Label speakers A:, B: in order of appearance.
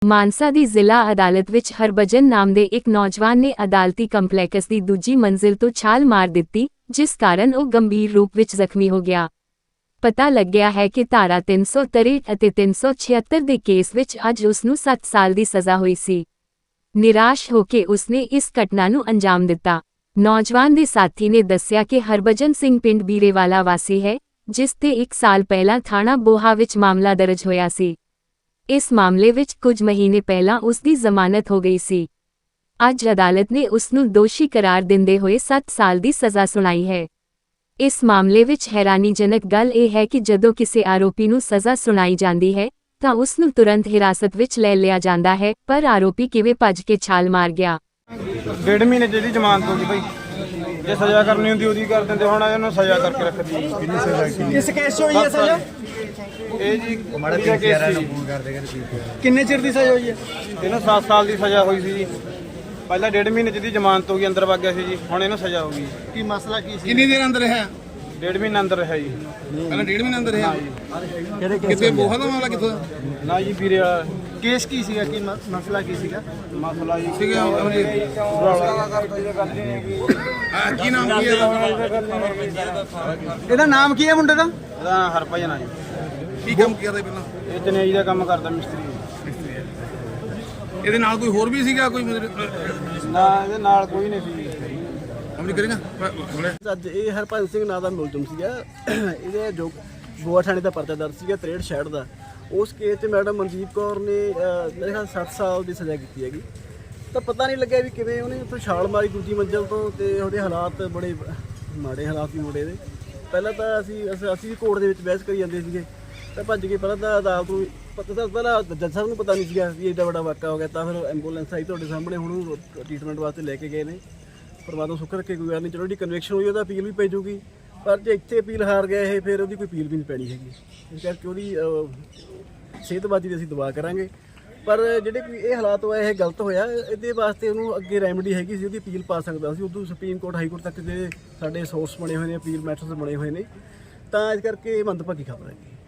A: ਮਾਨਸਾ ਦੀ ਜ਼ਿਲ੍ਹਾ ਅਦਾਲਤ ਵਿੱਚ ਹਰਭਜਨ ਨਾਮ ਦੇ ਇੱਕ ਨੌਜਵਾਨ ਨੇ ਅਦਾਲਤੀ ਕੰਪਲੈਕਸ ਦੀ ਦੂਜੀ ਮੰਜ਼ਿਲ ਤੋਂ ਛਾਲ ਮਾਰ ਦਿੱਤੀ, ਜਿਸ ਕਾਰਨ ਉਹ ਗੰਭੀਰ ਰੂਪ ਵਿੱਚ ਜ਼ਖਮੀ ਹੋ ਗਿਆ। ਪਤਾ ਲੱਗਿਆ ਹੈ ਕਿ ਧਾਰਾ 363 ਅਤੇ 376 ਦੇ ਕੇਸ ਵਿੱਚ ਅੱਜ ਉਸ ਨੂੰ 7 ਸਾਲ ਦੀ ਸਜ਼ਾ ਹੋਈ ਸੀ। ਨਿਰਾਸ਼ ਹੋ ਕੇ ਉਸਨੇ ਇਸ ਘਟਨਾ ਨੂੰ ਅੰਜਾਮ ਦਿੱਤਾ। ਨੌਜਵਾਨ ਦੇ ਸਾਥੀ ਨੇ ਦੱਸਿਆ ਕਿ ਹਰਭਜਨ ਸਿੰਘ ਪਿੰਡ ਬੀਰੇਵਾਲਾ ਵਾਸੀ ਹੈ, ਜਿਸ ਤੇ 1 ਸਾਲ ਪਹਿਲਾਂ ਥਾਣਾ ਬੋਹਾ ਵਿੱਚ ਮਾਮਲਾ ਦਰਜ ਹੋਇਆ ਸੀ। ਇਸ ਮਾਮਲੇ ਵਿੱਚ ਕੁਝ ਮਹੀਨੇ ਪਹਿਲਾਂ ਉਸ ਦੀ ਜ਼ਮਾਨਤ ਹੋ ਗਈ ਸੀ। ਅੱਜ ਅਦਾਲਤ ਨੇ ਉਸ ਨੂੰ ਦੋਸ਼ੀ ਕਰਾਰ ਦਿੰਦੇ ਹੋਏ 7 ਸਾਲ ਦੀ ਸਜ਼ਾ ਸੁਣਾਈ ਹੈ। ਇਸ ਮਾਮਲੇ ਵਿੱਚ ਹੈਰਾਨੀਜਨਕ ਗੱਲ ਇਹ ਹੈ ਕਿ ਜਦੋਂ ਕਿਸੇ ਆਰੋਪੀ ਨੂੰ ਸਜ਼ਾ ਸੁਣਾਈ ਜਾਂਦੀ ਹੈ ਤਾਂ ਉਸ ਨੂੰ ਤੁਰੰਤ ਹਿਰਾਸਤ ਵਿੱਚ ਲੈ ਲਿਆ ਜਾਂਦਾ ਹੈ, ਪਰ ਆਰੋਪੀ ਕਿਵੇਂ ਭੱਜ ਕੇ ਛਾਲ ਮਾਰ ਗਿਆ।
B: 1.5 ਮਹੀਨੇ ਜਿਹੜੀ ਜ਼ਮਾਨਤ ਹੋ ਗਈ ਭਾਈ, ਜੇ ਸਜ਼ਾ ਕਰਨੀ ਹੁੰਦੀ ਉਹਦੀ ਕਰ ਦਿੰਦੇ, ਹੁਣ ਇਹਨੂੰ ਸਜ਼ਾ ਕਰਕੇ ਰੱਖਦੀ। ਕਿੰਨੀ ਸਜ਼ਾ
C: ਕਿਸ ਕੇਸ 'ਚ ਹੋਈ ਹੈ ਸਜ਼ਾ?
B: ਇਹ ਜੀ
C: ਕਿੰਨੇ ਚਿਰ ਦੀ ਸਜ਼ਾ ਹੋਈ ਹੈ?
B: ਇਹਨੂੰ 7 ਸਾਲ ਦੀ ਸਜ਼ਾ ਹੋਈ ਸੀ ਜੀ। ਪਹਿਲਾਂ 1.5 ਮਹੀਨੇ ਜਿਹਦੀ ਜ਼ਮਾਨਤ ਹੋ ਗਈ, ਅੰਦਰ ਵਗ ਗਿਆ ਸੀ ਜੀ, ਹੁਣ ਇਹਨੂੰ ਸਜ਼ਾ ਹੋ ਗਈ।
C: ਕੀ ਮਸਲਾ ਕੀ ਸੀ?
D: ਕਿੰਨੀ ਦੇਰ ਅੰਦਰ ਰਿਹਾ?
B: 1.5 ਮਹੀਨਾ ਅੰਦਰ ਰਿਹਾ ਜੀ।
D: ਪਹਿਲਾਂ 1.5 ਮਹੀਨਾ ਅੰਦਰ ਰਿਹਾ?
C: ਕਿਹੜੇ
D: ਕਿਤੇ ਬੋਹਾ ਦਾ ਮਾਮਲਾ ਕਿੱਥੋਂ ਦਾ?
B: ਨਾ ਜੀ ਵੀਰੇ ਵਾਲਾ
C: ਕੇਸ ਕੀ ਸੀਗਾ? ਕੀ ਮਸਲਾ ਕੀ ਸੀਗਾ?
B: ਮਸਲਾ ਜੀ
D: ਸੀਗਾ ਅਮਰਜੀਤ। ਕੀ ਨਾਮ ਕੀ ਹੈ
C: ਇਹਦਾ ਨਾਮ ਕੀ ਹੈ ਮੁੰਡੇ ਦਾ?
B: ਇਹਦਾ ਹਰਭਜਨ ਆ ਜੀ।
D: ਕੀ ਕੰਮ ਕਰਦਾ ਪਹਿਲਾਂ?
B: ਇਹ ਚਨੇਈ ਦਾ ਕੰਮ ਕਰਦਾ, ਮਿਸਤਰੀ।
D: ਇਹਦੇ ਨਾਲ ਕੋਈ ਹੋਰ ਵੀ ਸੀਗਾ? ਕੋਈ
B: ਨਾ, ਇਹਦੇ ਨਾਲ ਕੋਈ ਨਹੀਂ ਸੀ।
D: ਅਮਰੀ ਕਰੇਗਾ
C: ਅੱਜ ਇਹ ਹਰਭਜਨ ਸਿੰਘ ਨਾਂ ਦਾ ਮੁਲਜ਼ਮ ਸੀਗਾ। ਇਹਦੇ ਜੋ ਗੋਆ ਥਾਣੇ ਦਾ ਪਰਚਾ ਦਰਜ ਸੀਗਾ 63 66 ਦਾ। ਉਸ ਕੇਸ 'ਚ ਮੈਡਮ ਮਨਜੀਤ ਕੌਰ ਨੇ ਮੇਰੇ ਖਿਆਲ 7 ਸਾਲ ਦੀ ਸਜ਼ਾ ਕੀਤੀ ਹੈਗੀ। ਤਾਂ ਪਤਾ ਨਹੀਂ ਲੱਗਿਆ ਵੀ ਕਿਵੇਂ ਉਹਨੇ ਉੱਥੋਂ ਛਾਲ ਮਾਰੀ ਦੂਜੀ ਮੰਜ਼ਿਲ ਤੋਂ, ਤੇ ਉਹਦੇ ਹਾਲਾਤ ਬੜੇ ਮਾੜੇ ਹਾਲਾਤ ਸੀ ਮੁੰਡੇ ਦੇ। ਪਹਿਲਾਂ ਤਾਂ ਅਸੀਂ ਕੋਰਟ ਦੇ ਵਿੱਚ ਬਹਿਸ ਕਰੀ ਜਾਂਦੇ ਸੀਗੇ, ਤਾਂ ਭੱਜ ਕੇ ਪਹਿਲਾਂ ਤਾਂ ਅਦਾਲਤ ਨੂੰ ਪਹਿਲਾਂ ਜੱਜ ਸਾਹਿਬ ਨੂੰ ਪਤਾ ਨਹੀਂ ਸੀਗਾ ਵੀ ਐਡਾ ਵੱਡਾ ਵਾਕਾ ਹੋ ਗਿਆ। ਤਾਂ ਫਿਰ ਐਂਬੂਲੈਂਸ ਆਈ ਤੁਹਾਡੇ ਸਾਹਮਣੇ, ਹੁਣ ਉਹਨੂੰ ਟ੍ਰੀਟਮੈਂਟ ਵਾਸਤੇ ਲੈ ਕੇ ਗਏ ਨੇ। ਪਰਮਾਤਮਾ ਸੁੱਖ ਰੱਖੇ, ਕੋਈ ਗੱਲ ਨਹੀਂ। ਚਲੋ ਜਿਹੜੀ ਕਨਵੈਕਸ਼ਨ ਹੋਈ ਉਹਦਾ ਅਪੀਲ ਵੀ ਪੈ ਜਾਊਗੀ, ਪਰ ਜੇ ਇੱਥੇ ਅਪੀਲ ਹਾਰ ਗਿਆ ਇਹ, ਫਿਰ ਉਹਦੀ ਕੋਈ ਅਪੀਲ ਵੀ ਨਹੀਂ ਪੈਣੀ ਹੈਗੀ। ਇਸ ਕਰਕੇ ਉਹਦੀ ਸਿਹਤਬਾਜ਼ੀ ਦੀ ਅਸੀਂ ਦੁਆ ਕਰਾਂਗੇ। ਪਰ ਜਿਹੜੇ ਕੋਈ ਇਹ ਹਾਲਾਤ ਹੋਇਆ, ਇਹ ਗਲਤ ਹੋਇਆ। ਇਹਦੇ ਵਾਸਤੇ ਉਹਨੂੰ ਅੱਗੇ ਰੈਮਡੀ ਹੈਗੀ ਸੀ, ਉਹਦੀ ਅਪੀਲ ਪਾ ਸਕਦਾ ਸੀ। ਉਦੋਂ ਸੁਪਰੀਮ ਕੋਰਟ, ਹਾਈ ਕੋਰਟ ਤੱਕ ਜਿਹੜੇ ਸਾਡੇ ਸੋਰਸ ਬਣੇ ਹੋਏ ਨੇ, ਅਪੀਲ ਮੈਟਰਸ ਬਣੇ ਹੋਏ ਨੇ। ਤਾਂ ਇਸ ਕਰਕੇ ਮੰਦਭਾਗੀ ਖਬਰ ਹੈ।